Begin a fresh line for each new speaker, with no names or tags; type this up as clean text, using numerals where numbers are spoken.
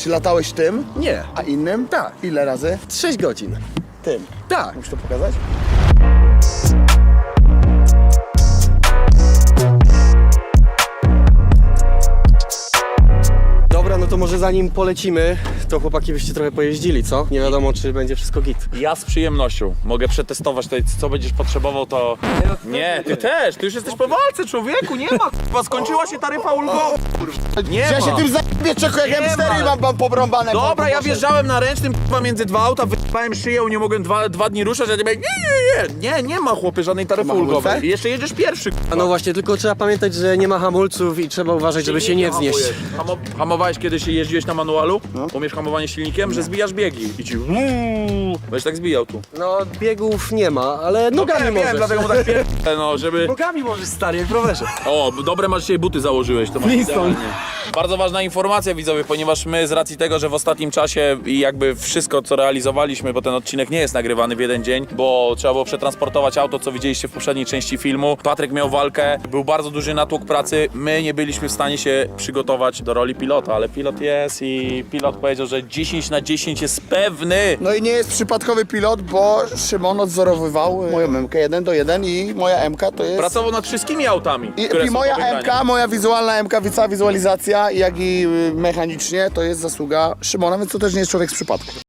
Czy latałeś tym?
Nie.
A innym?
Tak.
Ile razy?
6 godzin.
Tym.
Tak.
Musisz to pokazać?
Dobra, no to może zanim polecimy, to chłopaki byście trochę pojeździli, co? Nie wiadomo, czy będzie wszystko git.
Ja z przyjemnością mogę przetestować tutaj, co będziesz potrzebował, to... Nie, ty też, ty już jesteś po walce, człowieku, nie ma k***a, skończyła się taryfa ulgowa, nie
Ja się
ma.
tym zajebie, czeko, jak
Nie
M4
ma.
mam pobrąbane.
Dobra, ja wjeżdżałem na ręcznym k***a między dwa auta, wyjebałem szyję, nie mogłem dwa dni ruszać, a ty mówię, nie ma chłopie żadnej taryfy
Ma hamulce?
ulgowej. I jeszcze jedziesz pierwszy,
A no właśnie, tylko trzeba pamiętać, że nie ma hamulców i trzeba uważać, żeby się nie wznieść.
Hamowałeś kiedyś, jeździłeś na manualu? Umiesz hamowanie silnikiem, że zbijasz biegi i ci będziesz tak zbijał tu.
No, biegów nie ma, ale nogami
Wiem,
możesz.
dlatego mu tak no, żeby...
Nogami możesz, stary, jak w rowerze.
O, dobre masz dzisiaj buty założyłeś, to masz idealnie. Bardzo ważna informacja, widzowie, ponieważ my z racji tego, że w ostatnim czasie i jakby wszystko, co realizowaliśmy, bo ten odcinek nie jest nagrywany w jeden dzień, bo trzeba było przetransportować auto, co widzieliście w poprzedniej części filmu. Patryk miał walkę, był bardzo duży natłok pracy, my nie byliśmy w stanie się przygotować do roli pilota, ale pilot jest i pilot powiedział, że 10 na 10 jest pewny.
No i nie jest przypadkowy pilot, bo Szymon odzorowywał moją MK 1:1 i moja MK to jest...
Pracował nad wszystkimi autami, które
I
są
moja
do wygrania.
MK, moja wizualna MK, cała wizualizacja, jak i mechanicznie, to jest zasługa Szymona, więc to też nie jest człowiek z przypadku.